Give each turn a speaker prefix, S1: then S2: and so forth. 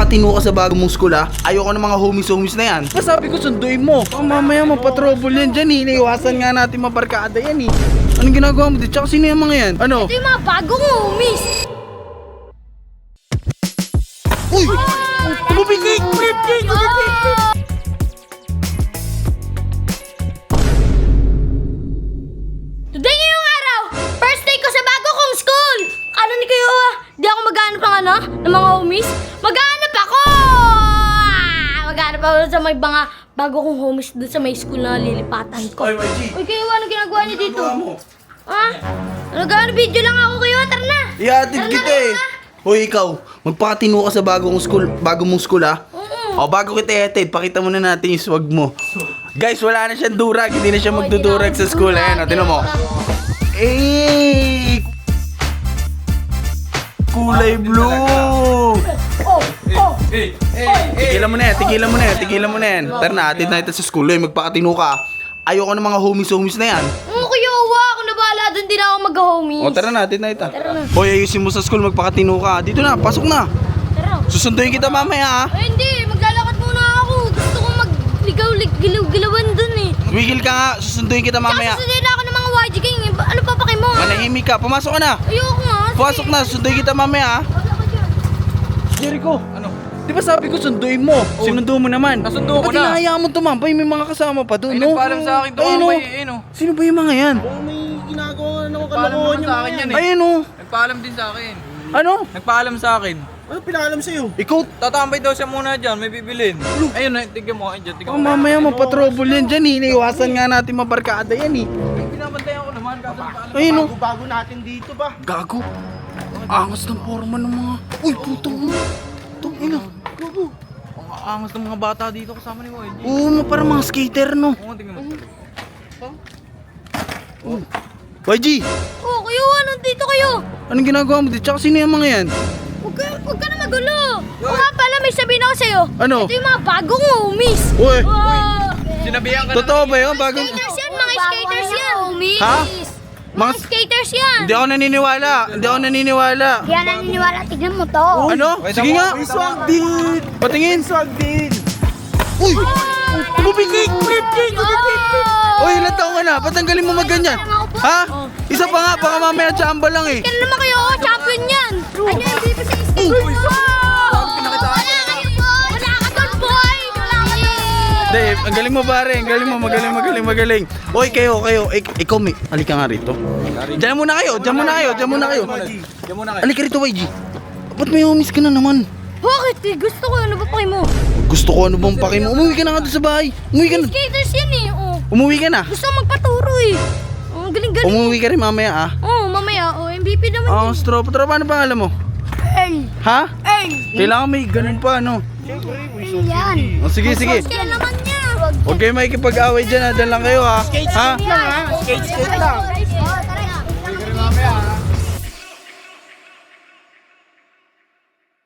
S1: magpakatino ka sa bago mong school ha. Ayoko ng mga homies na yan. Sabi ko sunduin mo. Baka mamaya mapatrouble yan dyan eh. Iniiwasan nga natin mabarkada yan eh. Anong ginagawa mo dito? Tsaka sino yung mga yan? Ano?
S2: Ito yung mga bagong homies.
S1: Uy! Tumubigig!
S2: Today ngayong araw, first day ko sa bago kong school. Ano ni kayo di ako maghanap ng ng mga homies? Maghanap ako! Maghanap ako sa may mga bago kong homies doon sa may school na lilipatan ko.
S1: Oy, YG!
S2: Uy, kayo ano ginagawa niyo dito?
S1: Ginagawa mo?
S2: Ha? Nag-ano video lang ako kayo, tara na!
S1: Ihatid
S2: Tara na,
S1: kita
S2: tara
S1: eh.
S2: na.
S1: Hoy, ikaw. Magpakatino ka sa bago mong school ha. O, bago kita ihatid, pakita muna natin yung swag mo. Guys, wala na siyang durag. Hindi na siya magdudurag sa school. Ayan, o, tinan mo. Eh! Kulay blue! Tigilan mo na yan. Tara na, atid na ito sa school. Hoy, magpakatino ka. Ayoko ng mga homies na yan.
S2: Kuya Uwa, ako na bahala doon, di na ako mag-homies.
S1: O, tara na, atid na ito.
S2: Tara na.
S1: Hoy, ayusin mo sa school, magpakatino ka. Dito na, pasok na.
S2: Tara.
S1: Susunduin kita mamaya ha.
S2: Ay, hindi. Maglalakad muna ako. Gusto ko mag-ligaw-gilawan dun eh.
S1: Wigil ka nga, susunduin kita mamaya.
S2: Tsaka susunod ako ng mga YG Gang. Ano pa paki mo ha?
S1: Manahimik ka, pumasok ka na.
S2: Ayoko nga.
S1: Pumasok na, susunduin kita mamaya ha. Jericho, ano? Di ba sabi ko sunduin mo? Sinundo mo naman.
S3: Nasundo ko
S1: Ba't
S3: na.
S1: hinahayaan mo tumambay? May mga kasama pa doon,
S3: Ay,
S1: no?
S3: nagpaalam sa akin
S1: Ayun,
S3: tumambay,
S1: oh.
S3: ayun, oh.
S1: Sino ba yung mga yan?
S4: May ginagawa na ako
S3: Nagpaalam
S4: kalokohan
S3: naman sa akin yan eh.
S1: Ayun oh.
S3: Nagpaalam din sa akin.
S1: Ano?
S3: Nagpaalam sa akin.
S4: Ano pinaalam sa'yo?
S1: Ikaw,
S3: Tatambay daw siya muna dyan, may bibilin. Ayun, tignan mo, ayun dyan, tignan mo.
S1: mamaya mapatrouble yan dyan eh. Iniiwasan nga natin mabarkada yan eh.
S3: Binabantayan ko naman, kaso nagpaalam.
S1: Ayun oh.
S4: Bago natin dito ba?
S1: Gago. Angas ng forma ng mga... Uy, putang mo. Itong ina. Gago.
S3: Ang aangas ng mga bata dito kasama ni YG.
S1: Oo, parang mga skater, no?
S3: Oo, tignan mo.
S1: YG,
S2: Oh, kayo ano dito kayo?
S1: anong ginagawa mo dito? Tsaka sino yung mga yan?
S2: Huwag ka na magulo. O nga pala, may sabihin ako sa'yo.
S1: Ano?
S2: Ito yung mga bagong homies.
S1: Uy,
S2: Wow.
S3: Sinabihan ka
S1: totoo ba yun? Bagong...
S2: Skaters yan, mga skaters yan. Homies.
S1: Ha?
S2: Mga skaters yan.
S1: Hindi ako naniniwala.
S2: Di yan naniniwala. Tignan mo to.
S1: Ano? Sige nga.
S4: May swag din!
S1: Patingin.
S4: Swag din!
S1: Uy! Tumubigig!
S2: Oh.
S1: Uy, ilan taong ka na? Ba't ang galing mo magganyan? Ha? Isa pa nga, baka mamaya tsamba lang eh.
S2: Kailan naman kayo? Champion yan. Ano yung MVP sa skate? Wala kayo, boy. Wala ka doon, boy. Wala ka doon.
S1: Hindi, ang galing mo pare. Ang galing mo. Magaling. Uy, kayo. Ikaw, may... Halika nga rito. Diyan muna kayo.
S3: Diyan muna kayo.
S1: Halika rito, YG. Ba't may homies ka na naman?
S2: Bakit? Gusto ko. Ano ba paki mo?
S1: Gusto ko ano bang paki mo? Umuwi ka na nga doon sa bahay. Umuwi ka na.
S2: Skaters yan eh. Oh.
S1: Umuwi ka na.
S2: Gusto ko magpaturo eh. Oh, galing-galing.
S1: Umuwi ka rin mamaya ah.
S2: Oh, mamaya. Oh, MVP naman
S1: Ah,
S2: yun.
S1: Tropa, ano pangalan mo?
S2: Earl.
S1: Ha?
S2: Earl.
S1: Kailangan may ganun pa, ano?
S2: Earl yan.
S1: O, sige.
S2: Kaya naman niya.
S1: Huwag kayo makikipag-away dyan, ha? Dyan lang kayo, ha? Ha?
S4: Skate lang ha? Skate lang!